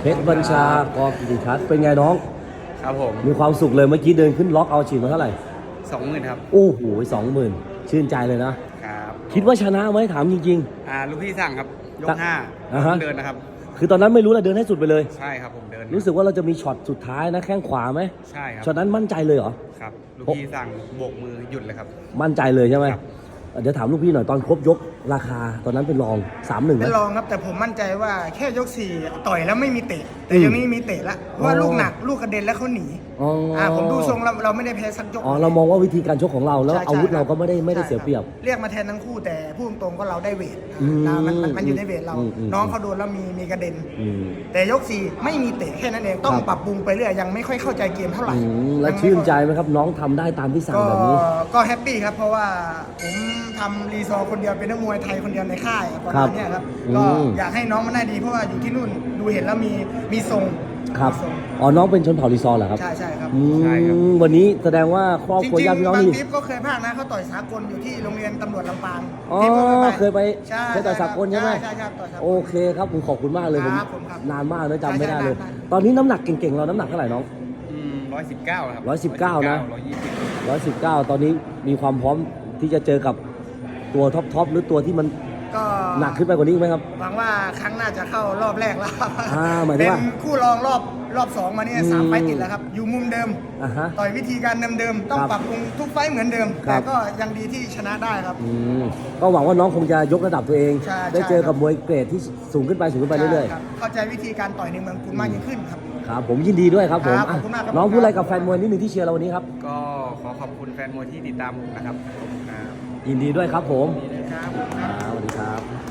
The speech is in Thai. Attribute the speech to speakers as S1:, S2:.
S1: ชรบัญชากอกิติทัศน์เป็นไงน้อง
S2: ครับผม
S1: มีความสุขเลยเมื่อกี้เดินขึ้นล็อกเอาฉีดมาเท่าไหร่
S2: 20,000 ครับ
S1: โอ้โห20,000ชื่นใจเลยนะครับคิดว่าชนะไหมถามจริง
S2: ลูกพี่สั่งครับยก
S1: อ่าฮะ
S2: 5เดินนะครับ
S1: ๆ คือตอนนั้นไม่รู้เลยเดินให้สุดไปเลย
S2: ใช่ครับผมเดิน
S1: รู้สึกว่าเราจะมีช็อตสุดท้ายนะแข้งขวาไหม
S2: ใช่ครับ
S1: ช็อตนั้นมั่นใจเลยเหรอ
S2: ครับลูกพี่สั่งโบกมือหยุดเลยครับ
S1: มั่นใจเลยใช่ไหม
S2: ครับ
S1: เดี๋ยวถามลูกพี่หน่อยตอนครบยกราคาตอนนั้นเป็นรอง 3-1ไหม
S3: เป็นรองครับแต่ผมมั่นใจว่าแค่ยก4ต่อยแล้วไม่มีเตะแต่ยังนี้มีเตะละเพราะว่าลูกหนักลูกกระเด็นแล้วเขาหนีผมดูทรงเราไม่ได้แพ้สักยก
S1: เรามองว่าวิธีการชกของเราแล้ว
S3: ใช่
S1: อาวุธเราก็ไม่ได้
S3: ใช่
S1: เสียเปรียบ
S3: เรียกมาแทนทั้งคู่แต่พูดตรงๆก็เราได้เวท
S1: อืม
S3: มันอยู่ในเวทเรา น้องเขาโดนแล้วมีกระเด็น
S1: อืม
S3: แต่ยก4ไม่มีเตะแค่นั้นเองต้อง
S1: ครับ
S3: ปรับปรุงไปเรื่อยยังไม่ค่อยเข้าใจเกมเท่าไหร่
S1: แล้วชื่นใจไหมครับน้องทำได้ตามที่สั่ง
S3: ก็
S1: แบบนี้
S3: ก็แฮปปี้ครับเพราะว่าผมทำรีซอร์คนเดียวเป็นนักมวยไทยคนเดียวในค่ายประ
S1: ครั
S3: มา
S1: บ
S3: ณเนี้ยครับ
S1: อืม
S3: ก็อยากให้น้องมันได้ดีเพราะว่าอยู่ที่นู่นดูเห็นแล้วมีทรง
S1: ครับ
S3: มีทรง
S1: อ๋อน้องเป็นชนเผ่าลีซอร์เหรอครับ
S3: ใช่ใช่ครับ
S1: อืม
S2: ใช่ครับ
S1: วันนี้แสดงว่าครอบ
S3: จ
S1: ครัว
S3: ริง
S1: ญาติพี่
S3: ๆ
S1: น้อง
S3: บาง
S1: นี่
S3: ทิปก็เคยภาคนะเขาต่อยสากลอยู่ที่โรงเรียนตำรวจลำปาง
S1: อ๋อ
S3: ที่พิ่ง
S1: เคยไป
S3: ใช่
S1: เคยต่อยสากลใช่ไหม
S3: ใช่ต่อยสากล
S1: โอเคครับผมขอบคุณมากเลย
S3: ครับผมครับ
S1: นานมากนะจำไม่ได้เลย
S3: ใช่
S1: ตอนนี้น้ำหนักเก่งๆเราน้ำหนักเท่าไหร่น้อง
S2: 119ครับ
S1: 119นะ
S2: 120
S1: 119 ตอนนี้มีความพร้อมที่จะเจอกับตัวท็อปหรือตัวที่มัน
S3: ก็
S1: หนักขึ้นไปกว่านี้อีกไหมครับ
S3: หวังว่าครั้งหน้าจะเข้ารอบแรกแล้ว
S1: หมายถึ
S3: เป็
S1: ง
S3: น
S1: ว่า
S3: คู่รองรอบ2มาเนี่ย3 ไฟต์ติดแล้วครับอยู่มุมเดิม
S1: อ่าฮะ
S3: ต่อยวิธีการเดิมๆต้อง
S1: ครับ
S3: ปรับปรุงทุกไฟต์เหมือนเดิม
S1: ครั
S3: แต่
S1: บ
S3: ก็ยังดีที่ชนะได้ครับ
S1: ก็หวังว่าน้องคงจะยกระดับตัวเอง
S3: ใช่
S1: ได้เจอกับ
S3: ใช่
S1: มวยเกรดที่สูงขึ้นไปเรื่อย
S3: ใช่ครับเข้าใจวิธีการต่อยในเมืองกรุงมากยิ่งขึ้นครับ
S1: ๆครับผมยินดีด้วยครับผม
S3: ครับขอบคุณมากครับ
S1: น้องพูดอะไรกับแฟนมวยนิดหนึ่งที่เชียร์เราวันนี้ครับ
S2: ก็ขอขอบคุณแฟนมวยที่ติดตามผมนะครับขอบคุณครับ
S1: ยินดีด้วยครับผม
S3: ครับ
S1: สวัสดีครับ